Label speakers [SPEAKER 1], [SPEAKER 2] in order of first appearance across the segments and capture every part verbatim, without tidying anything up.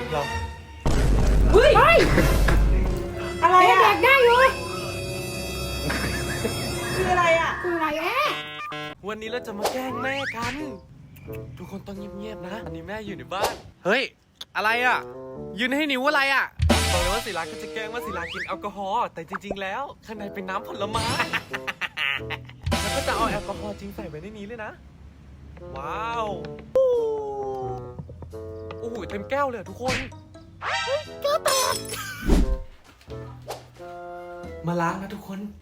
[SPEAKER 1] หรอ
[SPEAKER 2] เฮ้ยอะไรอะ
[SPEAKER 3] เด็กได้อยู่
[SPEAKER 2] คืออะไรอะ
[SPEAKER 3] คืออะไรแอะ
[SPEAKER 1] วันนี้เราจะมาแกล้งแม่กัน ทุกคนต้องเงียบๆนะอันนี้แม่อยู่ในบ้านเฮ้ยอะไรอ่ะยืนให้นิ้วอะไรอ่ะบอกเลยว่าศิลาก็จะแกล้งว่าศิลากินแอลกอฮอล์แต่จริงๆแล้วข้างในเป็นน้ำผลไม้ แล้วก็จะเอาแอลกอฮอล์จริงใส่ไว้ในนี้เลยนะว้าวโอ้โหเต็มแก้วเลยทุกคนแก้วแตกมาล้างนะทุกคน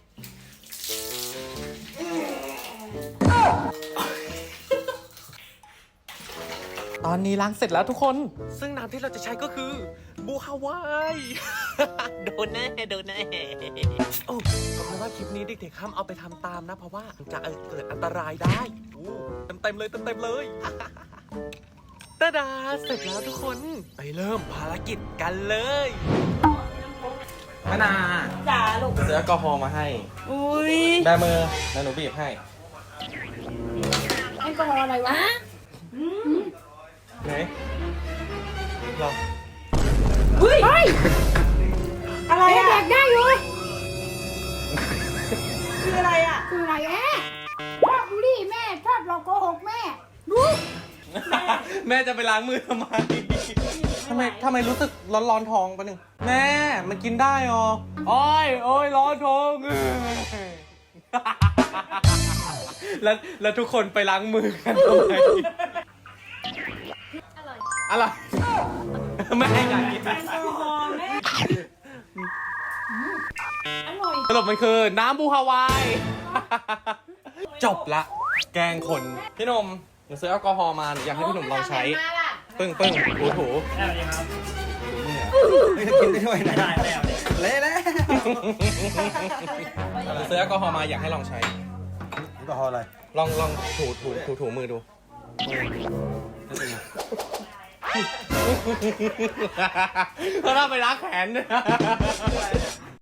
[SPEAKER 1] ตอนนี้ล้างเสร็จแล้วทุกคนซึ่งน้ำที่เราจะใช้ก็คือบูฮาวาย โดนแน่โดนแน่โอ้ขอบคุณว่าคลิปนี้เด็กๆห้ามเอาไปทำตามนะเพราะว่าจะเกิดอันตรายได้เต็มเต็มๆเลยเต็มเต็มๆเลย ตาดาเสร็จแล้วทุกคนไปเริ่มภารกิจกันเลยมะนา
[SPEAKER 2] จ๋าลูก
[SPEAKER 1] ซื้อแอลกอฮอล์มาให้
[SPEAKER 2] อุ้ย
[SPEAKER 1] แบมือแล้วหนูบีบให้
[SPEAKER 3] แอลกอฮอล์อะไรวะ
[SPEAKER 1] ไหนหรอ
[SPEAKER 2] เฮ้ย
[SPEAKER 3] เฮ้ย
[SPEAKER 2] อะไร
[SPEAKER 3] เด็
[SPEAKER 2] อะ
[SPEAKER 3] กได้อยู่
[SPEAKER 2] คืออะไรอะ
[SPEAKER 3] คืออะไรแอะชอบบูลลี่แม่ชอบหลอกโกหกแม่รู้
[SPEAKER 1] แม่จะไปล้างมือทำไมทำไมทำไมรู้สึกร้อนร้อนท้องปะหนึ่งแม่มันกินได้หรอโอ้ยโอ้ยร้อนท้อง แล้วแล้วทุกคนไปล้างมือกันทำไมอร่อยแม่อยากกิน
[SPEAKER 2] แอลกอฮอล์แม่อร่อย
[SPEAKER 1] สรุปมันคือน้ำบูฮาวาย จบละ แกงคนพี่นมหนูซื้อแอลกอฮอล์มาอยากให้พี่หนุ่มลองใช้ ปึ้งปึ้งถูถู
[SPEAKER 4] กินได้ด้วยนะได้แล้วเละแล้ว
[SPEAKER 1] หนูซื้อแอลกอฮอล์มาอยากให้ลองใช้
[SPEAKER 4] แอลกอฮอล์อะไร
[SPEAKER 1] ลองลองถูถูถูถูมือดู เขาต้องไปล้างแขนด้วย